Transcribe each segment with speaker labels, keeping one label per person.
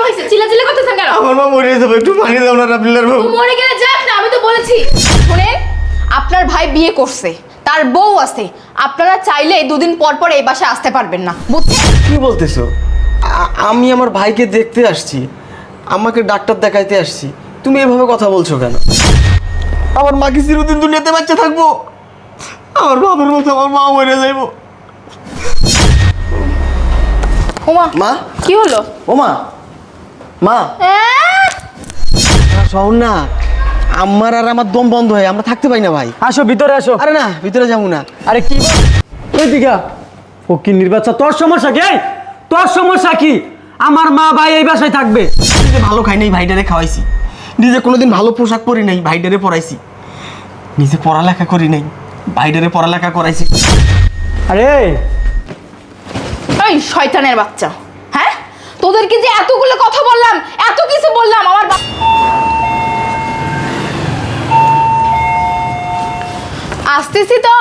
Speaker 1: হয়েছে? চিল্লাচিল্লি করতেছেন কেন?
Speaker 2: আমার মা মরে যাবে, একটু পানি দাও না রাবিলের বউ।
Speaker 1: মরে গেলে যাক না, আমি তো বলেছি। শুনেন, আপনার ভাই বিয়ে করছে, তার বউ আছে। আপনারা চাইলে দুদিন পর পর এই বাসায় আসতে পারবেন না, বুঝছেন?
Speaker 2: কি বলতেছো? আমি আমার ভাইকে দেখতে আসছি, আমাকে ডাক্তার দেখাইতে আসছি, তুমি এভাবে কথা বলছো কেন? আমার মা কি চিরদিন দুনিয়াতে বাচ্চা থাকবো? আমার বাবার মতো আমার মা মরে যাইবো।
Speaker 1: ওমা,
Speaker 2: মা,
Speaker 1: কি হলো?
Speaker 2: ও মা, মা শোন না, আমার আর আমার দম বন্ধ হয়, আমরা থাকতে পাই না ভাই।
Speaker 3: আসো ভিতরে আসো।
Speaker 2: আরে না, ভিতরে যাবো না।
Speaker 3: আরে কি ওইদিকে ও কি নির্বাচন? তোর সমস্যা কি? তোর সমস্যা কি? আমার মা ভাই এই বাসায় থাকবে।
Speaker 2: নিজে ভালো খাই নাই, ভাইটারে খাওয়াইছি। নিজে কোনোদিন ভালো পোশাক পরি নাই, ভাইটারে পরাইছি। নিজে পড়ালেখা করি নাই, ভাইটারে পড়ালেখা করাইছি।
Speaker 3: আরে
Speaker 1: এই শয়তানের বাচ্চা, হ্যাঁ? তোদেরকে যে এতগুলো কথা বললাম, এত কিছু বললাম, আমার আসতেছি তো।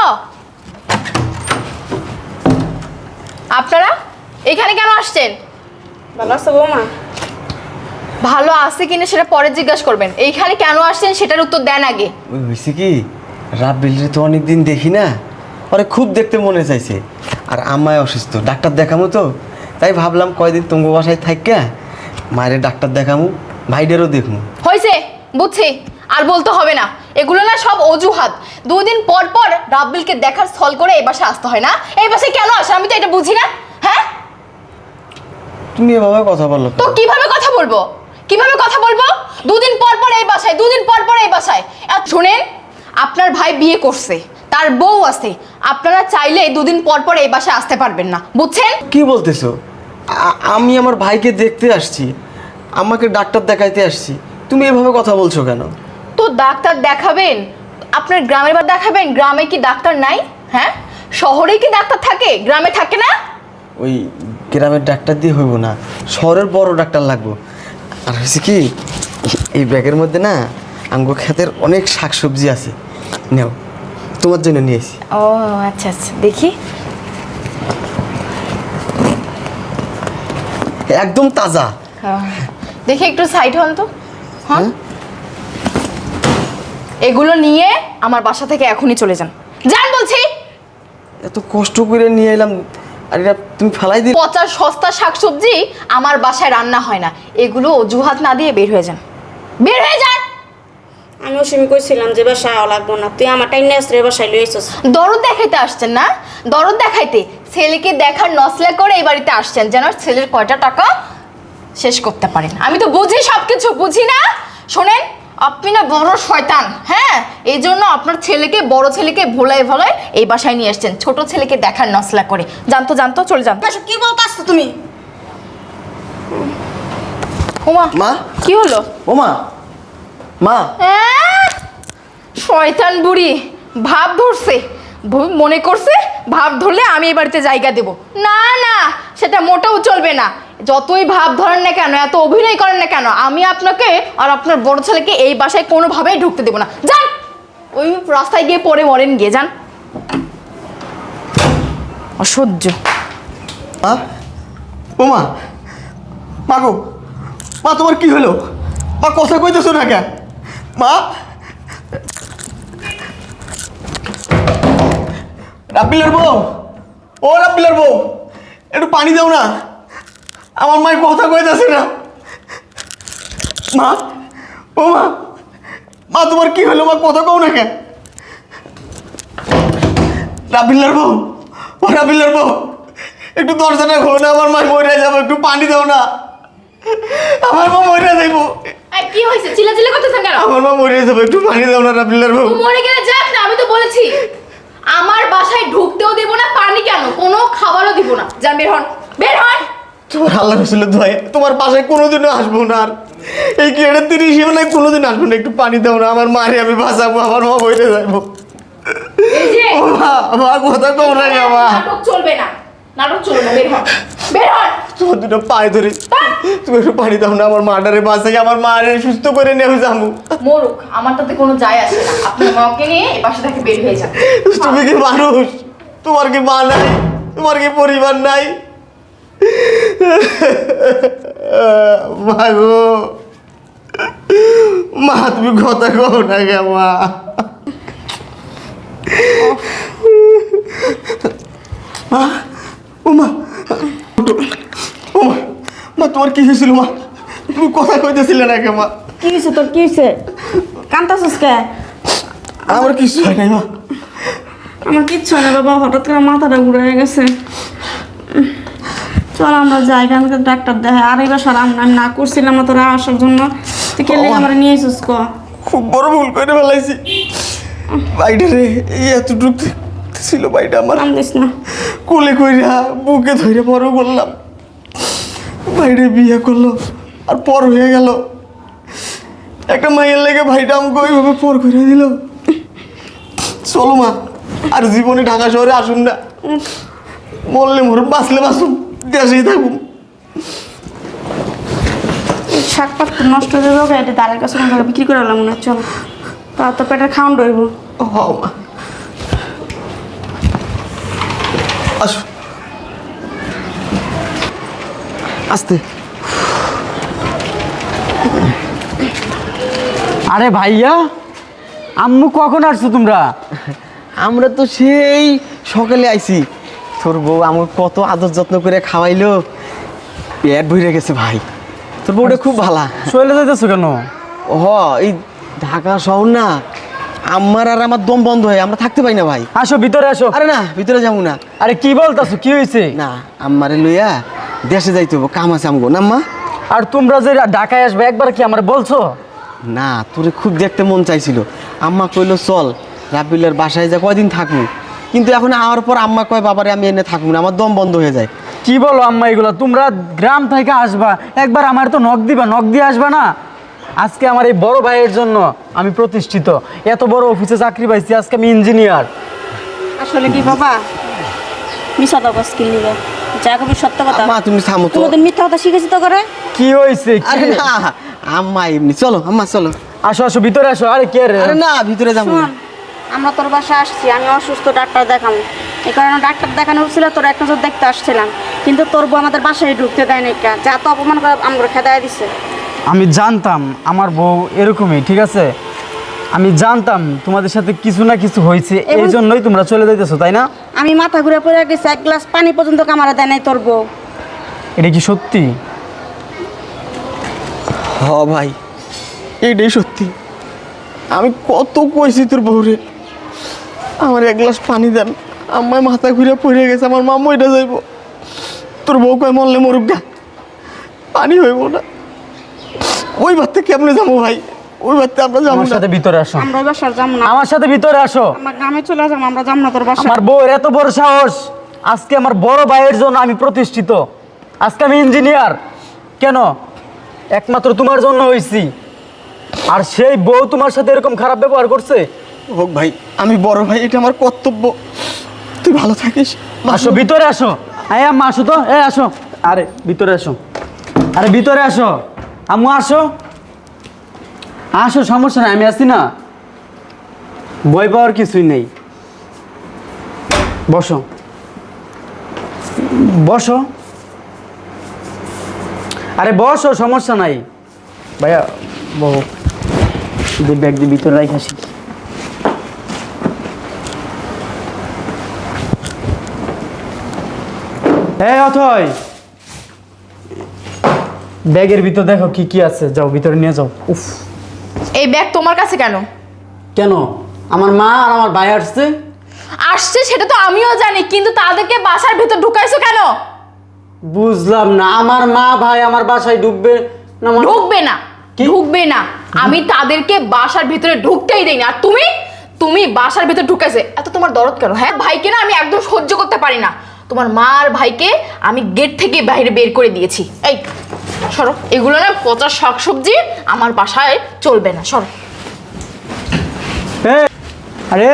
Speaker 1: আপনারা এখানে কেন আসছেন?
Speaker 4: ভালো আছো বৌমা?
Speaker 1: ভালো আছে কিনা সেটা পরে জিজ্ঞাসা করবেন। এইখানে কেন আসছেন সেটার উত্তর দেন আগে।
Speaker 2: ওই হয়েছে কি, রাব্বিলরে তো অনেকদিন দেখি না, ওরে খুব দেখতে মনে চাইছে। আর আমায় অসুস্থ, ডাক্তার দেখামু তো, তাই ভাবলাম কয়দিন তুঙ্গ বাসায় থাইকা মায়ের ডাক্তার দেখামু, ভাইডেরও দেখমু।
Speaker 1: হয়েছে, বুঝছি, আর বলতে হবে না। এগুলো না সব অজুহাত। দুদিন পর পর রাব্বিলকে দেখার ছল করে এই বাসায় আসতে হয় না? এই বাসায় কেন আসে আমি তো এটা বুঝি না। হ্যাঁ,
Speaker 2: তুমি এভাবে কথা বলো
Speaker 1: তো কিভাবে কথা বলবো? কিভাবে কথা বলবো? দুদিন পর পর এই বাসায়, দুদিন পর পর এই বাসায়। আর শুনেন, আপনার ভাই বিয়ে করছে, তার বউ আছে। আপনারা চাইলে দুদিন পর পর এই বাসায় আসতে পারবেন না, বুঝছেন?
Speaker 2: কি বলতেছো? আমি আমার ভাইকে দেখতে আসছি, আমাকে ডাক্তার দেখাইতে আসছি, তুমি এভাবে কথা বলছো কেন?
Speaker 1: তো ডাক্তার দেখাবেন, আপনার গ্রামের বাড়ি দেখাবেন। গ্রামে কি ডাক্তার নাই? হ্যাঁ, শহরে কি ডাক্তার থাকে, গ্রামে থাকে না?
Speaker 2: ওই গ্রামের ডাক্তার দিয়ে হইব না, শহরের বড় ডাক্তার লাগবো। আর হয়েছে কি, এই ব্যাগের মধ্যে না আঙ্গুর ক্ষেতের অনেক শাকসবজি আছে, নাও, তোমার জন্য নিয়ে এসি।
Speaker 1: ও আচ্ছা আচ্ছা, দেখি।
Speaker 2: একদম তাজা।
Speaker 1: দেখি একটু সাইড হন তো। হ্যাঁ, এগুলো নিয়ে আমার বাসা থেকে এখনই চলে যান, যান বলছি।
Speaker 2: এত কষ্ট করে নিয়ে এলাম, আর এটা তুমি ফেলাই দিলে।
Speaker 1: পচা সস্তা শাকসবজি আমার বাসায় রান্না হয় না। এগুলো অজুহাত না দিয়ে বের হয়ে যান, বের হয়ে যান।
Speaker 4: আমিও সিমি কইছিলাম যে বাসায় লাগবো না, তুই আমার টাইম নেস রে বাসায় লই এসেছিস।
Speaker 1: দরদ দেখাইতে আসছেন না? দরদ দেখাইতে, ছেলেকে দেখার নসলা করে এই বাড়িতে আসছেন যেন ছেলের কয়টা টাকা শেষ করতে পারেন। আমি তো বুঝি, সব কিছু বুঝি না। শোনেন, আপনি না বড় শয়তান। হ্যাঁ, এই জন্য আপনার ছেলেকে, বড় ছেলেকে ভোলায় ভোলায় এই বাসায় নিয়ে আসছেন, ছোট ছেলেকে দেখার নসলা করে। জানতো জানতো, চলে যান।
Speaker 4: এসব কি বলতাছো তুমি?
Speaker 1: ওমা,
Speaker 2: মা,
Speaker 1: কি হলো?
Speaker 2: ও মা, মা,
Speaker 1: শয়তান বুড়ি ভাব ধরছে, মনে করছে ভাব ধরলে আমি এই বাড়িতে জায়গা দেব। না না, সেটা মোটেও চলবে না। যতই ভাব ধরেন না কেন, এত অভিনয় করেন না কেন, আমি আপনাকে আর আপনার বড় ছেলেকে এই বাসায় কোনোভাবেই ঢুকতে দেবো না। যান, ওই রাস্তায় গিয়ে পড়ে মরেন গিয়ে, যান। অসহ্য।
Speaker 2: মা, ও মা, মা গো, মা তোমার কি হলো? মা কথা কইতেছো না কেন? মা, রাব্বিলের বউ, ও রাব্বিলের বউ, একটু পানি দাও না, আমার মায়ের কথা কইতেছে না। মা, ও মা, মা তোমার কি হলো? মা কথা কও না কেন? রাব্বিলের বউ, ও রাব্বিলের বউ, একটু দরজাটা খোলো না, আমার মা মরে যাবো, একটু পানি দাও না, আমার মা মরে যাইবো।
Speaker 1: কি হয়েছে? চিল্লাচিল্লি করতেছেন কেন?
Speaker 2: আমার মা মরে যাবে, একটু পানি দাও না রাব্বিলের বউ।
Speaker 1: মরে গেলে যাক না, আমি তো বলেছি। আমার বাসায় ঢুকতেও দেব না, পানি কেন, কোনো খাবারও দিব না। যান, বের হন, বের হন।
Speaker 2: তোমার আল্লাহ রসুলের দোয়ায় তোমার বাসায় কোনোদিনও আসবো না, আর এই গেটের 30 সীমানায় কোনোদিন আসবো না, একটু পানি দাও না, আমার মারে আমি বাঁচাবো, আমার মা মরে যাইবো।
Speaker 1: এই যে
Speaker 2: ও মা, মা কথা কও না রে মা।
Speaker 1: নাটক চলবে না, নাটক চলবে না, বের হন, বের হন।
Speaker 2: তোমার দুটো পায়ে ধরি, তুমি একটু পানি দাও না, আমার মাটারে বাঁচাই, আমার মারে সুস্থ করে নিয়ে আমি যাবো।
Speaker 1: মরুক, আমার তাতে কোনো যায় আসে না। আপনার মাকে নিয়ে এই বাসা থেকে বের হয়ে যান।
Speaker 2: তুমি কি মানুষ? তোমার কি মা নাই? তোমার কি পরিবার নাই? মা গো, মা তুমি কথা কও না গে মা। মা, ও মা, ও মা, মা তোমার কি হয়েছিল মা? তুমি কথা কইতেছিলে না কে মা?
Speaker 4: কি হয়েছে তোর, কি হয়েছে? কান্তাছিস কে?
Speaker 2: আমার কিছু হয় নাই মা।
Speaker 4: আমার কিচ্ছু হয় না বাবা, হঠাৎ করে মাথাটা ঘুরে গেছে। চল আমরা যাই, এখানকার ডাক্তার দেখাই। আর এই বাসার আমি না করছিলাম না তোরা আসার জন্য, তুই কে লেগে আমার নিয়ে এসেছিস ক?
Speaker 2: খুব বড় ভুল করে ফেলাইছি। বাইটা রে, এই এতটুক ছিল বাইটা আমার,
Speaker 4: নাম দিস না।
Speaker 2: কোলে কইরা বুকে ধরে বড় করলাম। বাইরে বিয়ে করলো আর পর হয়ে গেল। একটা মাইয়ের লেগে ভাইটা আমাকে ওইভাবে পর করে দিল। চলো মা, আর জীবনে ঢাকা শহরে আসুন না। মরলে মরুন, বাঁচলে বাঁচুন, দেশেই থাকুন।
Speaker 4: এই শাক পাত নষ্ট হয়ে যাবে, এটা দাঁড়ের কাছে কোনো জায়গায় বিক্রি করে আলাম মনে হয়। চল, তা তো পেটের খাওয়ান রইব।
Speaker 2: হ মা, আসো আস্তে।
Speaker 3: আরে ভাইয়া, আম্মু কখন আসছো তোমরা?
Speaker 2: আমরা তো সেই সকালে আইছি। তোর বউ আমার কত আদর যত্ন করে খাওয়াইলো, পেট ভরে গেছে ভাই। তোর বউটা খুব ভালা।
Speaker 3: চলে যাইতেছো কেন?
Speaker 2: হ, এই ঢাকা শহর না, আমার আর আমার দম বন্ধ হয়, আমরা থাকতে পাই না ভাই।
Speaker 3: আসো ভিতরে আসো।
Speaker 2: আরে না, ভিতরে যাবো না।
Speaker 3: আরে কি বলতাছো, কি হয়েছে?
Speaker 2: না, আমারে লইয়া দেশে যাইতে হবো, কাম আছে আমগো না আম্মা?
Speaker 3: আর তোমরা যে ঢাকায় আসবে একবার কি আমার বলছো?
Speaker 2: না, তোরে খুব দেখতে মন চাইছিল। আম্মা কইলো চল রাবিলের বাসায় যা কয়দিন থাকবো, কিন্তু এখন আওয়ার পর আম্মা কয় বাবারে আমি এনে থাকবো না, আমার দম বন্ধ হয়ে যায়।
Speaker 3: কি বলো আম্মা এগুলো? তোমরা গ্রাম থেকে আসবা, একবার আমার তো নখ দিবা, নখ দিয়ে আসবা না? আজকে আমার এই বড় ভাইয়ের জন্য আমি প্রতিষ্ঠিত, এত বড় অফিসে চাকরি পাইছি, আজকে আমি ইঞ্জিনিয়ার।
Speaker 4: আসলে কি বাবা, মিশা দাও স্কিল নিবে, যা কবি সত্য কথা।
Speaker 2: মা তুমি থামো তো।
Speaker 4: তোমাদের মিথ্যা কথা শিখেছি তো করে।
Speaker 3: কি হয়েছে?
Speaker 2: আরে না আম্মা, এমনি চলো আম্মা চলো।
Speaker 3: আসো আসো ভিতরে আসো। আরে কে রে?
Speaker 2: আরে না, ভিতরে যাবো না।
Speaker 4: শোন, আমরা তোর বাসায় আসছি, আমি অসুস্থ, ডাক্তার দেখাবো। এই কারণে ডাক্তার দেখানো হচ্ছিল, তোর এক নজর দেখতে আসছিলাম। কিন্তু তোর বউ আমাদের বাসায় ঢুকতে দেয় না, যা তো অপমান করে আমরা খেদায় দিছে।
Speaker 3: আমি জানতাম আমার বউ এরকমই, ঠিক আছে? আমি জানতাম তোমাদের সাথে কিছু না কিছু হয়েছে, এই জন্যই তোমরা চলে যাইতেছো, তাই না?
Speaker 4: আমি মাথা ঘুরে পড়ে গেছি, এক গ্লাস পানি পর্যন্ত কামারা দেয় নাই তোর বউ।
Speaker 3: এটা কি সত্যি?
Speaker 2: হ ভাই, এইটাই সত্যি। আমি কত কইছি তোর বউরে আমার এক গ্লাস পানি দেন, আমার মাথা ঘুরে পড়ে গেছে, আমার মা মইটা যাইব। তোর বউ কয় মরলে মরুক গা, পানি হইব না। ওই বাড়তে কেমনে যাবো ভাই? ওই বাড়তে আমরা যাবো
Speaker 3: আমার
Speaker 2: না।
Speaker 3: সাথে ভিতরে আসো।
Speaker 4: আমরা ওই বাসার যাবো না,
Speaker 3: আমার সাথে ভিতরে আসো।
Speaker 4: আমার গ্রামে চলে যাবো, আমরা যাবো না তোর বাসা।
Speaker 3: আমার বউয়ের এত বড় সাহস! আজকে আমার বড় ভাইয়ের জন্য আমি প্রতিষ্ঠিত, আজকে আমি ইঞ্জিনিয়ার। কেন? একমাত্র তোমার জন্য হয়েছি। আর সেই বউ তোমার সাথে এরকম খারাপ ব্যবহার করছে?
Speaker 2: হোক ভাই, আমি বড় ভাই, এটা আমার কর্তব্য। তুই ভালো থাকিস।
Speaker 3: আসো ভিতরে আসো। এই আম্মা আসো তো, এই আসো। আরে ভিতরে আসো, আরে ভিতরে আসো। আম্মু আসো, আসো, সমস্যা নাই, আমি আছি না। ভয় পাওয়ার কিছুই নেই। বসো বসো, আরে বসো, সমস্যা নাই। ভাইয়া বহু ব্যাগ দিয়ে ভিতরে রাখাসি। এই অথয়, ব্যাগের ভিতর দেখো কি কি আছে, যাও ভিতরে নিয়ে যাও। উফ,
Speaker 1: এই ব্যাগ তোমার কাছে কেন?
Speaker 3: কেন? আমার মা আর আমার ভাই আসছে।
Speaker 1: আসছে সেটা তো আমিও জানি, কিন্তু তাদেরকে বাসার ভিতর ঢুকাইছো কেন?
Speaker 3: বুঝলাম না, আমার মা ভাই আমার বাসায় ঢুকবে না মানে?
Speaker 1: ঢুকবে না,
Speaker 3: কি?
Speaker 1: ঢুকবে না। আমি তাদেরকে বাসার ভিতরে ঢুকতেই দেই না। আর তুমি তুমি বাসার ভিতরে ঢুকাইছে, এত তোমার দরদ কেন? হ্যাঁ, ভাইকে না আমি একদম সহ্য করতে পারি না। তোমার মা আর ভাইকে আমি গেট থেকে বাইরে বের করে দিয়েছি। এই সরো, এগুলো না পচা শাকসবজি আমার বাসায় চলবে না, সরো।
Speaker 3: আরে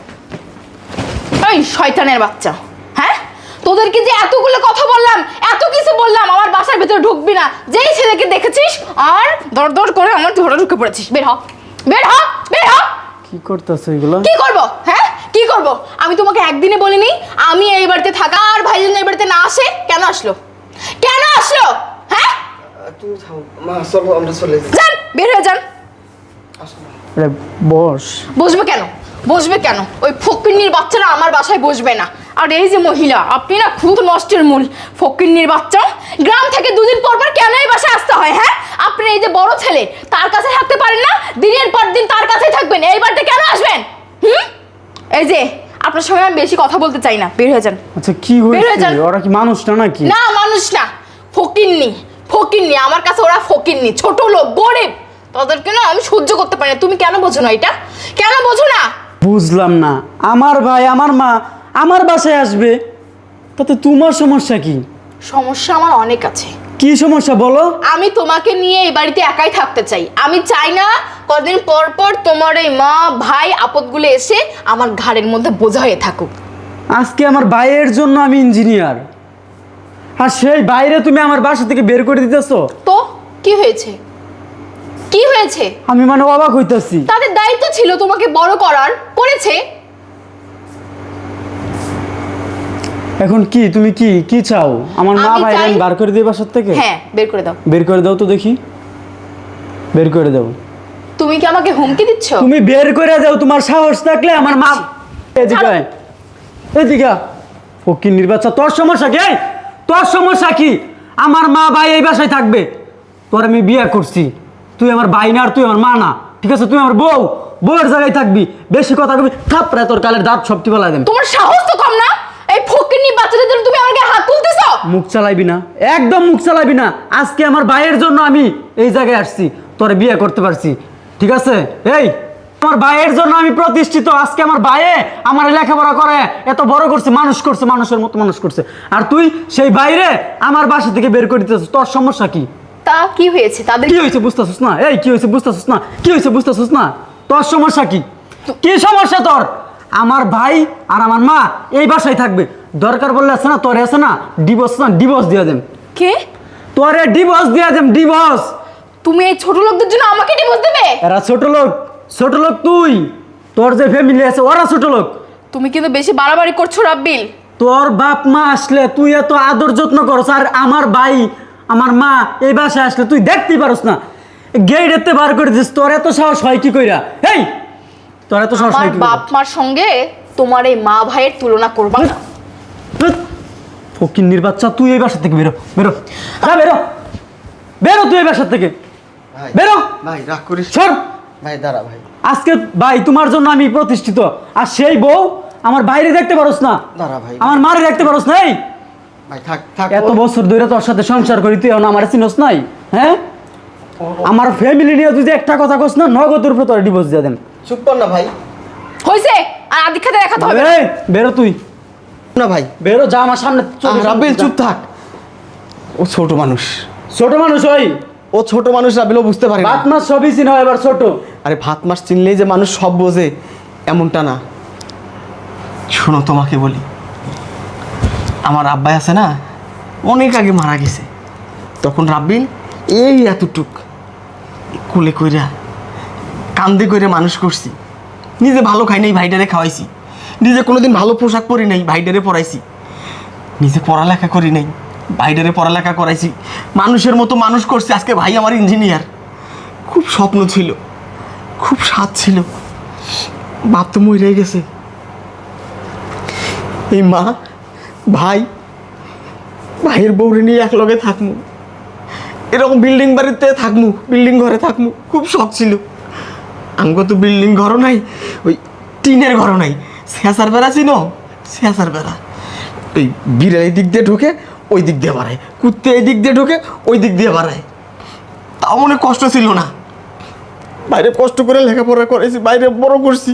Speaker 1: এই শয়তানের বাচ্চা, হ্যাঁ, তোদেরকে যে এতগুলো কথা বললাম, এত কিছু বললাম, আমার বাসার ভিতরে ঢুকবি না। যেই ছেলেকে দেখেছিস আর দর দর করে আমার ঘরে ঢুকে পড়েছিস। বের হ, বের হ, বের হ।
Speaker 3: কি করতেছো এগুলো?
Speaker 1: কি করব? হ্যাঁ, কি করব? আমি তোমাকে একদিনে বলিনি আমি এই বাড়িতে থাকা, আর ভাইজান এই বাড়িতে না আসে? কেন আসলো? কেন আসলো? হ্যাঁ,
Speaker 2: তুমি থামো মা, চলো আমরা চলে যাই।
Speaker 1: যান, বের হয়ে যান।
Speaker 3: আরে বস।
Speaker 1: বসবে কেন? বসবে কেন? ওই ফকিন্নির বাচ্চারা আমার বাসায় বসবে না। আর এই যে মহিলা, আপনি না খুব নষ্টের মূল। ফকিন্নির বাচ্চা, গ্রাম থেকে দুদিন পর পর কেন এই বাসায় আসতে হয়? হ্যাঁ, আপনি এই যে বড় ছেলে, তার কাছে থাকতে পারেন না? দিনের পর দিন তার কাছেই থাকবেন, এই বাড়িতে কেন আসবেন? এই যে আপনার সঙ্গে আমি বেশি কথা বলতে চাই না, বের হয়ে যান।
Speaker 3: আচ্ছা কি
Speaker 1: বের হয়ে
Speaker 3: হয়েছে?
Speaker 1: যান।
Speaker 3: ওরা কি মানুষ না নাকি?
Speaker 1: না, মানুষ না, ফকিন্নি। ফকিন্নি আমার কাছে ওরা ফকিন্নি, ছোট লোক, গরিব। তাদেরকে না আমি সহ্য করতে পারি না। তুমি কেন বোঝো না এটা? কেন বোঝো না?
Speaker 3: বুঝলাম না। আমার ভাই আমার মা আমার বাসায় আসবে, তাতে তোমার সমস্যা কি?
Speaker 1: সমস্যা আমার অনেক আছে।
Speaker 3: কি সমস্যা বলো?
Speaker 1: আমি তোমাকে নিয়ে এই বাড়িতে একাই থাকতে চাই। আমি চাই না কদিন পর পর তোমার এই মা ভাই আপদগুলো এসে আমার ঘাড়ের মধ্যে বোঝা হয়ে থাকুক।
Speaker 3: আজকে আমার ভাইয়ের জন্য আমি ইঞ্জিনিয়ার, আর সেই বাইরে তুমি আমার বাসা থেকে বের করে দিতেছো।
Speaker 1: তো কি হয়েছে? কি হয়েছে?
Speaker 3: আমি মানে অবাক হইতাছি।
Speaker 1: তাদের দায়িত্ব ছিল তোমাকে বড় করার, করেছে।
Speaker 3: এখন কি তুমি কি কি চাও? আমার মা
Speaker 1: আমি
Speaker 3: ভাই
Speaker 1: চাই-
Speaker 3: আমি বার করে দিই বাসার থেকে?
Speaker 1: হ্যাঁ, বের করে দাও।
Speaker 3: বের করে দাও তো দেখি, বের করে দাও।
Speaker 1: তুমি কি আমাকে হুমকি দিচ্ছ?
Speaker 3: তুমি বের করে দাও, তোমার সাহস থাকলে আমার মা। এদিকে আয়, এদিকে আয়। ফকির নির্বাচন, তোর সমস্যা কি? এই, তোর সমস্যা কি? আমার মা ভাই এই বাসায় থাকবে। তোর আমি বিয়ে করছি, তুই আমার ভাই না আর তুই আমার মা না, ঠিক আছে? তুই আমার বউ, বউয়ের জায়গায় থাকবি। বেশি কথা কবি থাপড়ায় তোর কালের দাঁত সবটি বেলা দেন।
Speaker 1: তোমার সাহস তো কম না? এই ফকিন্নি বাচ্চাদের জন্য তুমি আমাকে হাত তুলতেছ?
Speaker 3: মুখ চালাইবি না, একদম মুখ চালাইবি না। আজকে আমার ভাইয়ের জন্য আমি এই জায়গায় আসছি, তোরে বিয়ে করতে পারছি, ঠিক আছে? এই আমার ভাইয়ের জন্য আমি প্রতিষ্ঠিত। আজকে আমার ভাইয়ে আমার লেখাপড়া করে এত বড় করছে, মানুষ করছে, মানুষের মতো মানুষ করছে। আর তুই সেই বাইরে আমার বাসা থেকে বের করে দিতেছিস। তোর সমস্যা কি?
Speaker 1: তা কি হয়েছে তাদের?
Speaker 3: কি হয়েছে বুঝতেছিস না? এই কি হয়েছে বুঝতেছিস না? কি হয়েছে বুঝতেছিস না? তোর সমস্যা কি? কি সমস্যা তোর? আমার ভাই আর আমার মা এই বাসায় থাকবে। দরকার বললে আছে না, তোরে আছে না ডিভোর্স দিয়ে দেন।
Speaker 1: কে?
Speaker 3: তোরে ডিভোর্স দিয়ে দেন, ডিভোর্স।
Speaker 1: তুমি এই ছোট লোকদের জন্য আমাকে ডিভোর্স দেবে?
Speaker 3: এরা ছোট লোক, ছোট লোক তুই। তোর যে ফ্যামিলি আছে ওরা ছোট লোক।
Speaker 1: তুমি কিন্তু বেশি বাড়াবাড়ি করছো রাব্বিল।
Speaker 3: তোর বাপ মা আসলে তুই এত আদর যত্ন করস, আর আমার ভাই আমার মা এই বাসায় আসলে তুই দেখতেই পারস না, গেইডেতে বার করে দিস। তোর এত সাহস হয় কি কইরা? এই তোর এত সাহস
Speaker 1: আমার
Speaker 3: হয় কি
Speaker 1: বাপ মার সঙ্গে তোমার এই মা ভাইয়ের তুলনা করবা না।
Speaker 3: ফকিন্নির বাচ্চা, তুই এই বাসা থেকে বেরো, বেরো, যা বেরো, বেরো তুই এই বাসা থেকে,
Speaker 2: ভাই,
Speaker 3: বেরো।
Speaker 2: ভাই রাগ করিস না।
Speaker 3: সর।
Speaker 2: ভাই দাঁড়া ভাই,
Speaker 3: আজকে ভাই তোমার জন্য আমি প্রতিষ্ঠিত, আর সেই বউ আমার বাইরে দেখতে পারোস না,
Speaker 2: দাঁড়া ভাই।
Speaker 3: আমার মারে দেখতে পারোস না। এই
Speaker 2: ভাই থাক থাক।
Speaker 3: এত বছর ধরে তোর সাথে সংসার করি, তুই এখন আমার চিনস নাই? হ্যাঁ, আমার ফ্যামিলি নিয়ে তুই যে একটা কথা কস না, নগদের উপরে তোর ডিভোর্স দিয়ে দেন।
Speaker 2: চুপ কর না ভাই।
Speaker 1: হয়েছে, আর আদিক খাতে দেখাতে হবে না।
Speaker 3: এই, বেরো তুই,
Speaker 2: না ভাই।
Speaker 3: বেরো, যা আমার সামনে।
Speaker 2: রাব্বিল চুপ থাক। ও ছোট মানুষ,
Speaker 3: ছোট মানুষ ওই
Speaker 2: ও ছোট মানুষ। রাব্বিলও বুঝতে পারে না।
Speaker 3: বাত মাস সবই চিনো, এবার ছোট।
Speaker 2: আরে ভাত মাস চিনলেই যে মানুষ সব বোঝে এমনটা না। শোনো তোমাকে বলি, আমার আব্বাই আছে না, অনেক আগে মারা গেছে। তখন রাব্বিল এই এতটুক কোলে কইরা কান্দে কইরা মানুষ করছি। নিজে ভালো খাই নাই, ভাইটারে খাওয়াইছি। নিজে কোনোদিন ভালো পোশাক পরি নাই, ভাইটারে পরাইছি। নিজে পড়ালেখা করি নাই, ভাইটারে পড়ালেখা করাইছি। মানুষের মতো মানুষ করছি। আজকে ভাই আমার ইঞ্জিনিয়ার। খুব স্বপ্ন ছিল, খুব স্বাদ ছিল। বাপ তো মরে গেছে। এই মা ভাই, ভাইয়ের বউরে নিয়ে এক লগে থাকমু, এরকম বিল্ডিং বাড়িতে থাকমু, বিল্ডিং ঘরে থাকমু, খুব শখ ছিল। আমগো তো বিল্ডিং ঘরও নাই, ওই টিনের ঘরও নাই। শেষার বেড়া ছিল, শেষার বেড়া। ওই বিড়াল এই দিক দিয়ে ঢোকে, ওই দিক দিয়ে বাড়ায়, কুত্তে এই দিক দিয়ে ঢোকে, ওই দিক দিয়ে বাড়ায়। তাও মনে কষ্ট ছিল না। বাইরে কষ্ট করে লেখাপড়া করেছি, বাইরে বড় করছি।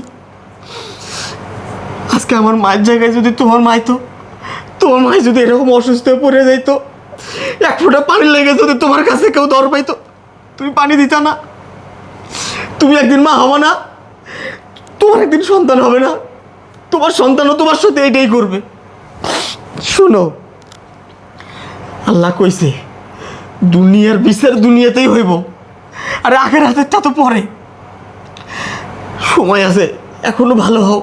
Speaker 2: আজকে আমার মায়ের জায়গায় যদি তোমার মাই তো, তোমার মায় যদি এরকম অসুস্থ হয়ে পড়ে যাইতো, এক ফোঁটা পানি লেগে যদি তোমার কাছে কেউ দর পাইতো, তুমি পানি দিতা না? তুমি একদিন মা হবো না? তোমার একদিন সন্তান হবে না? তোমার সন্তানও তোমার সাথে এটাই করবে। শোনো, আল্লাহ কইছে দুনিয়ার বিচার দুনিয়াতেই হইব, আর আখের হাতেরটা তো পরে। সময় আছে, এখনো ভালো হও।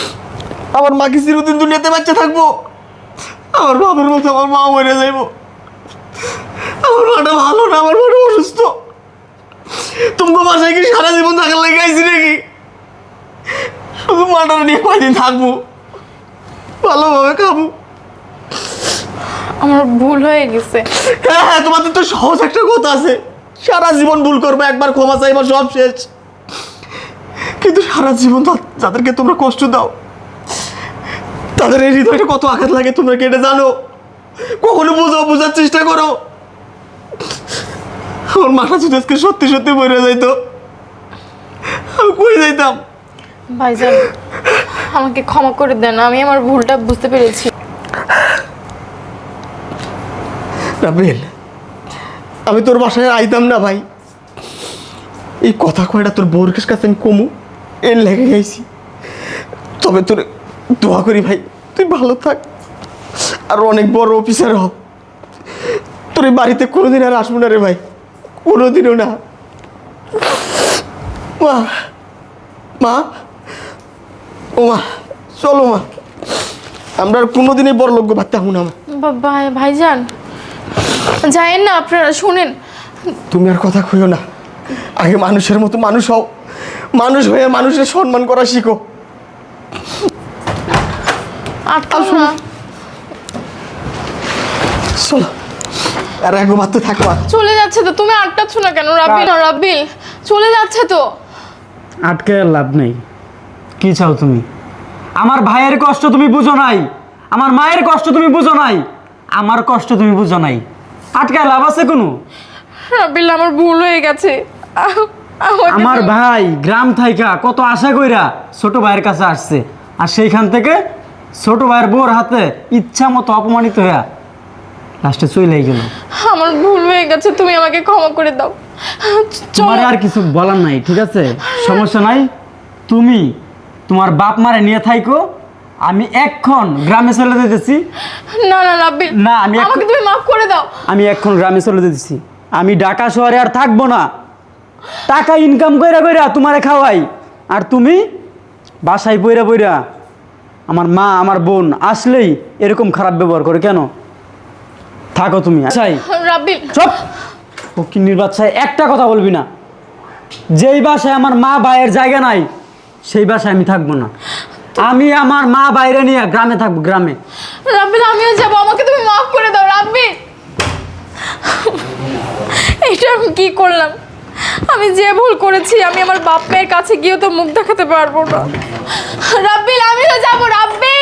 Speaker 2: আমার মা কি চিরদিন দুনিয়াতে বাচ্চা থাকবো? আমার বাবার মতো আমার মা মরে যাইব। তোমাকে বাসায় কি সারা জীবন থাকার লেগে আইছি নাকি? শুধু মাটার নিয়ে কয়দিন থাকবো, ভালোভাবে খাবো।
Speaker 1: আমার ভুল হয়ে গেছে।
Speaker 2: হ্যাঁ হ্যাঁ, তোমাদের তো সহজ একটা কথা আছে, সারা জীবন ভুল করবে, একবার ক্ষমা চাইবা, সব শেষ। কিন্তু সারা জীবন যাদেরকে তোমরা কষ্ট দাও, তাদের এই হৃদয়টা কত আঘাত লাগে তোমরা কি এটা জানো? কখনো বোঝার চেষ্টা করো। আমার মাথা যদি আজকে সত্যি সত্যি বইরে যাইতো, আমি কই যাইতাম?
Speaker 1: ভাইজান, আমাকে ক্ষমা করে দেন, আমি আমার ভুলটা বুঝতে পেরেছি।
Speaker 2: রাবেল, আমি তোর বাসায় আইতাম না ভাই, এই কথা কয়টা তোর বউর কাছে আমি কমু এর লেগে গেছি। তবে তোর দোয়া করি ভাই, তুই ভালো থাক আর অনেক বড় অফিসার হ। তোর এই বাড়িতে কোনোদিন আর আসবো না রে ভাই, কোনোদিনও না। মা, মা, ও মা, চলো মা, আমরা আর কোনোদিনই বড় লোক ভাবতে হবো না।
Speaker 1: ভাইজান যায়েন না, আপনারা শুনেন।
Speaker 2: তুমি আর কথা কইও না, আগে মানুষের মতো মানুষ হও, মানুষ হয়ে মানুষের সম্মান করা শিখো।
Speaker 1: আটকাও না।
Speaker 2: চলো, আর একবার তো থাকবা।
Speaker 1: চলে যাচ্ছে তো, তুমি আটকাচ্ছ না কেন? রাব্বিল চলে যাচ্ছে তো।
Speaker 3: আটকে আর লাভ নেই। কি চাও তুমি? আমার ভাইয়ের কষ্ট তুমি বুঝো নাই, আমার মায়ের কষ্ট তুমি বুঝো নাই, আমার কষ্ট তুমি বুঝো নাই। আটকে লাভ আছে কোনো?
Speaker 1: রাব্বিল, আমার ভুল হয়ে গেছে।
Speaker 3: আমার ভাই গ্রাম থাইকা কত আশা কইরা ছোট ভাইয়ের কাছে আসছে, আর সেইখান থেকে ছোট ভাইয়ের বউর হাতে ইচ্ছা মতো অপমানিত হইয়া লাস্টে চলেই গেল।
Speaker 1: আমার ভুল হয়ে গেছে, তুমি আমাকে ক্ষমা করে দাও।
Speaker 3: তোমার আর কিছু বলার নাই, ঠিক আছে? সমস্যা নাই, তুমি তোমার বাপ মারে নিয়ে থাইকো, আমি এক্ষণ গ্রামে চলে যেতেছি।
Speaker 1: না না রাব্বিল,
Speaker 3: না, আমি
Speaker 1: আমাকে তুমি মাফ করে দাও।
Speaker 3: আমি এক্ষণ গ্রামে চলে যেতেছি। আমি ঢাকা শহরে আর থাকবো না, টাকা ইনকাম কইরা কইরা তোমারে খাওয়াই, আর তুমি বাসায় বইরা বইরা আমার মা আমার বোন আসলেই এরকম খারাপ ব্যবহার করে কেন? থাকো তুমি আচ্ছাই।
Speaker 1: রাব্বিল
Speaker 3: চুপ, ফকিন্নির বাচ্চায় একটা কথা বলবি না। যেই বাসায় আমার মা ভাইয়ের জায়গা নাই সেই বাসায় আমি থাকবো না। আমি আমার মা বাইরে নিয়ে গ্রামে থাকবো, গ্রামে।
Speaker 1: রাব্বিল, আমিও যাবো, আমাকে তুমি মাফ করে দাও রাব্বিল। এটা আমি কি করলাম? আমি যে ভুল করেছি, আমি আমার বাপ মায়ের কাছে গিয়েও তো মুখ দেখাতে পারবো না। রাব্বিল, আমিও যাবো রাব্বিল।